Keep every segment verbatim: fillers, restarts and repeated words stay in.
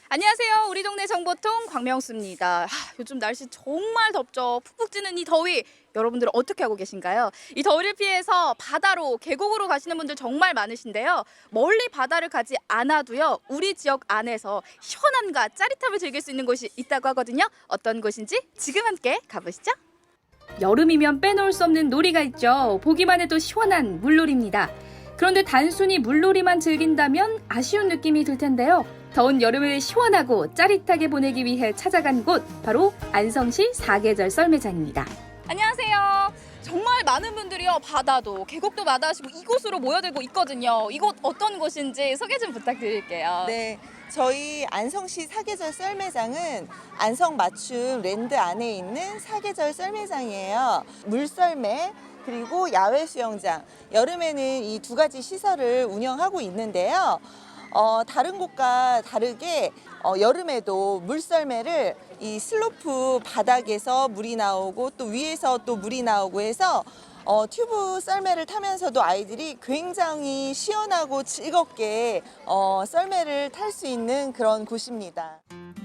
안녕하세요. 우리 동네 정보통 광명수입니다. 하, 요즘 날씨 정말 덥죠. 푹푹 찌는 이 더위. 여러분들은 어떻게 하고 계신가요? 이 더위를 피해서 바다로, 계곡으로 가시는 분들 정말 많으신데요. 멀리 바다를 가지 않아도요. 우리 지역 안에서 시원함과 짜릿함을 즐길 수 있는 곳이 있다고 하거든요. 어떤 곳인지 지금 함께 가보시죠. 여름이면 빼놓을 수 없는 놀이가 있죠. 보기만 해도 시원한 물놀이입니다. 그런데 단순히 물놀이만 즐긴다면 아쉬운 느낌이 들 텐데요. 더운 여름을 시원하고 짜릿하게 보내기 위해 찾아간 곳, 바로 안성시 사계절 썰매장입니다. 안녕하세요. 정말 많은 분들이요, 바다도 계곡도 마다하시고 이곳으로 모여들고 있거든요. 이곳 어떤 곳인지 소개 좀 부탁드릴게요. 네, 저희 안성시 사계절 썰매장은 안성 맞춤 랜드 안에 있는 사계절 썰매장이에요. 물썰매 그리고 야외 수영장, 여름에는 이 두 가지 시설을 운영하고 있는데요. 어, 다른 곳과 다르게 어, 여름에도 물썰매를 이 슬로프 바닥에서 물이 나오고 또 위에서 또 물이 나오고 해서 어, 튜브 썰매를 타면서도 아이들이 굉장히 시원하고 즐겁게 어, 썰매를 탈 수 있는 그런 곳입니다.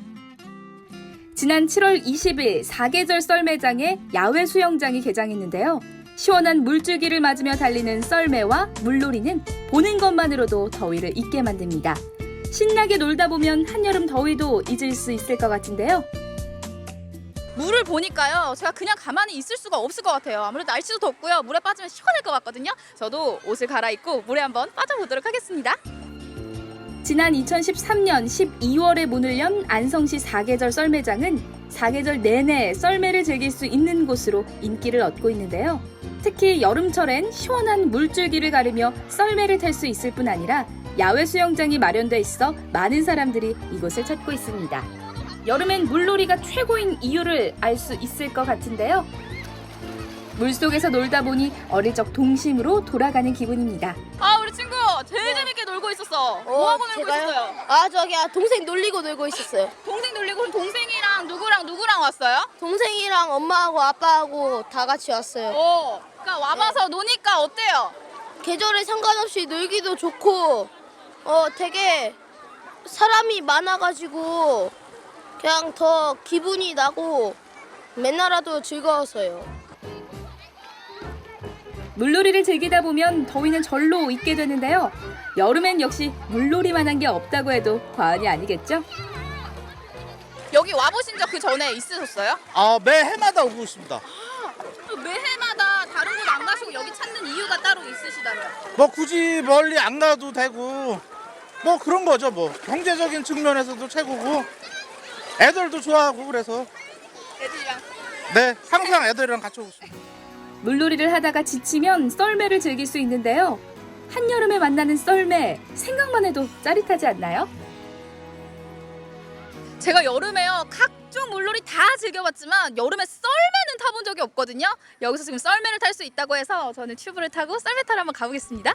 지난 칠월 이십일 사계절 썰매장에 야외 수영장이 개장했는데요. 시원한 물줄기를 맞으며 달리는 썰매와 물놀이는 보는 것만으로도 더위를 잊게 만듭니다. 신나게 놀다 보면 한여름 더위도 잊을 수 있을 것 같은데요. 물을 보니까요, 제가 그냥 가만히 있을 수가 없을 것 같아요. 아무래도 날씨도 덥고요, 물에 빠지면 시원할 것 같거든요. 저도 옷을 갈아입고 물에 한번 빠져보도록 하겠습니다. 지난 이천십삼 년 십이월에 문을 연 안성시 사계절 썰매장은 사계절 내내 썰매를 즐길 수 있는 곳으로 인기를 얻고 있는데요. 특히 여름철엔 시원한 물줄기를 가르며 썰매를 탈 수 있을 뿐 아니라 야외 수영장이 마련돼 있어 많은 사람들이 이곳을 찾고 있습니다. 여름엔 물놀이가 최고인 이유를 알 수 있을 것 같은데요. 물속에서 놀다 보니 어릴 적 동심으로 돌아가는 기분입니다. 아, 우리 친구 제일 재밌게 놀고 있었어. 뭐하고 놀고 제가요? 있었어요? 아, 저기 아, 동생 놀리고 놀고 있었어요. 동생 놀리고, 그럼 동생이랑 누구랑 누구랑 왔어요? 동생이랑 엄마하고 아빠하고 다 같이 왔어요. 어, 그러니까 와봐서 노니까 어때요? 계절에 상관없이 놀기도 좋고, 어, 되게 사람이 많아가지고 그냥 더 기분이 나고 맨날 와도 즐거웠어요. 물놀이를 즐기다 보면 더위는 절로 잊게 되는데요. 여름엔 역시 물놀이만한 게 없다고 해도 과언이 아니겠죠? 여기 와보신 적 그 전에 있으셨어요? 아, 매해마다 오고 있습니다. 매해마다 다른 곳 안 가시고 여기 찾는 이유가 따로 있으시다면? 뭐 굳이 멀리 안 가도 되고 뭐 그런 거죠. 뭐 경제적인 측면에서도 최고고 애들도 좋아하고 그래서 애들이랑. 네, 항상 애들이랑 같이 오고 있습니다. 물놀이를 하다가 지치면 썰매를 즐길 수 있는데요. 한여름에 만나는 썰매, 생각만 해도 짜릿하지 않나요? 제가 여름에요, 각종 물놀이 다 즐겨봤지만 여름에 썰매는 타본 적이 없거든요. 여기서 지금 썰매를 탈 수 있다고 해서 저는 튜브를 타고 썰매 타러 한번 가보겠습니다.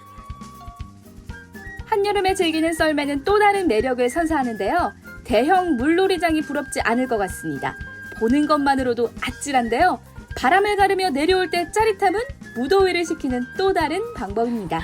한여름에 즐기는 썰매는 또 다른 매력을 선사하는데요. 대형 물놀이장이 부럽지 않을 것 같습니다. 보는 것만으로도 아찔한데요. 바람을 가르며 내려올 때 짜릿함은 무더위를 식히는 또 다른 방법입니다.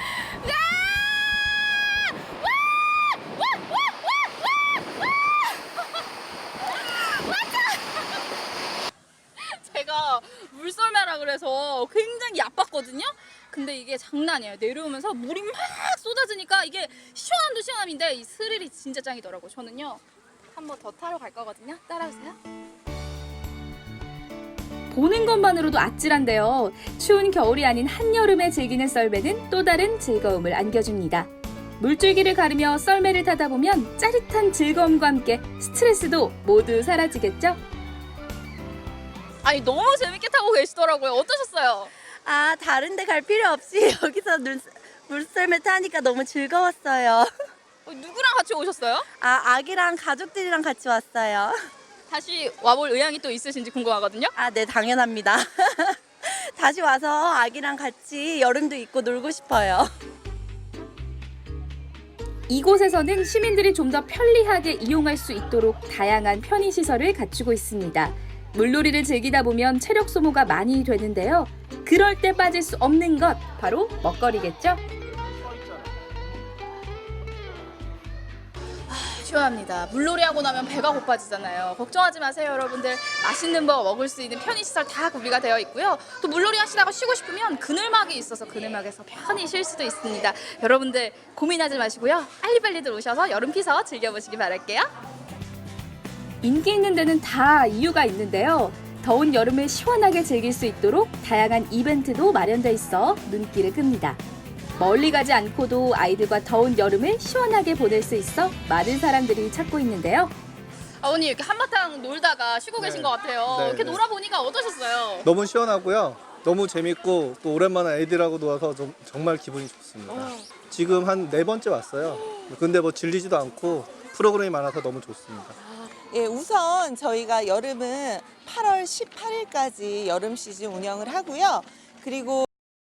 제가 물썰매라 그래서 굉장히 얕봤거든요. 근데 이게 장난이에요. 내려오면서 물이 막 쏟아지니까 이게 시원함도 시원함인데 이 스릴이 진짜 짱이더라고요. 저는요, 한 번 더 타러 갈 거거든요. 따라오세요. 보는 것만으로도 아찔한데요. 추운 겨울이 아닌 한여름에 즐기는 썰매는 또 다른 즐거움을 안겨줍니다. 물줄기를 가르며 썰매를 타다 보면 짜릿한 즐거움과 함께 스트레스도 모두 사라지겠죠? 아니, 너무 재밌게 타고 계시더라고요. 어떠셨어요? 아, 다른 데 갈 필요 없이 여기서 물, 물썰매 타니까 너무 즐거웠어요. 어, 누구랑 같이 오셨어요? 아, 아기랑 가족들이랑 같이 왔어요. 다시 와볼 의향이 또 있으신지 궁금하거든요. 아, 네, 당연합니다. 다시 와서 아기랑 같이 여름도 있고 놀고 싶어요. 이곳에서는 시민들이 좀 더 편리하게 이용할 수 있도록 다양한 편의시설을 갖추고 있습니다. 물놀이를 즐기다 보면 체력 소모가 많이 되는데요. 그럴 때 빠질 수 없는 것, 바로 먹거리겠죠? 시원합니다. 물놀이하고 나면 배가 고파지잖아요. 걱정하지 마세요, 여러분들. 맛있는 거 먹을 수 있는 편의시설 다 구비가 되어 있고요. 또 물놀이 하시다가 쉬고 싶으면 그늘막이 있어서 그늘막에서 편히 쉴 수도 있습니다. 여러분들 고민하지 마시고요. 빨리빨리들 오셔서 여름 피서 즐겨보시기 바랄게요. 인기 있는 데는 다 이유가 있는데요. 더운 여름을 시원하게 즐길 수 있도록 다양한 이벤트도 마련돼 있어 눈길을 끕니다. 멀리 가지 않고도 아이들과 더운 여름을 시원하게 보낼 수 있어 많은 사람들이 찾고 있는데요. 아버님 이렇게 한바탕 놀다가 쉬고 네. 계신 것 같아요. 네, 이렇게 네. 놀아보니까 어떠셨어요? 너무 시원하고요. 너무 재밌고 또 오랜만에 애들하고 놀아서 좀, 정말 기분이 좋습니다. 어. 지금 한 네 번째 왔어요. 근데 뭐 질리지도 않고 프로그램이 많아서 너무 좋습니다. 예, 우선 저희가 여름은 팔월 십팔일까지 여름 시즌 운영을 하고요. 그리고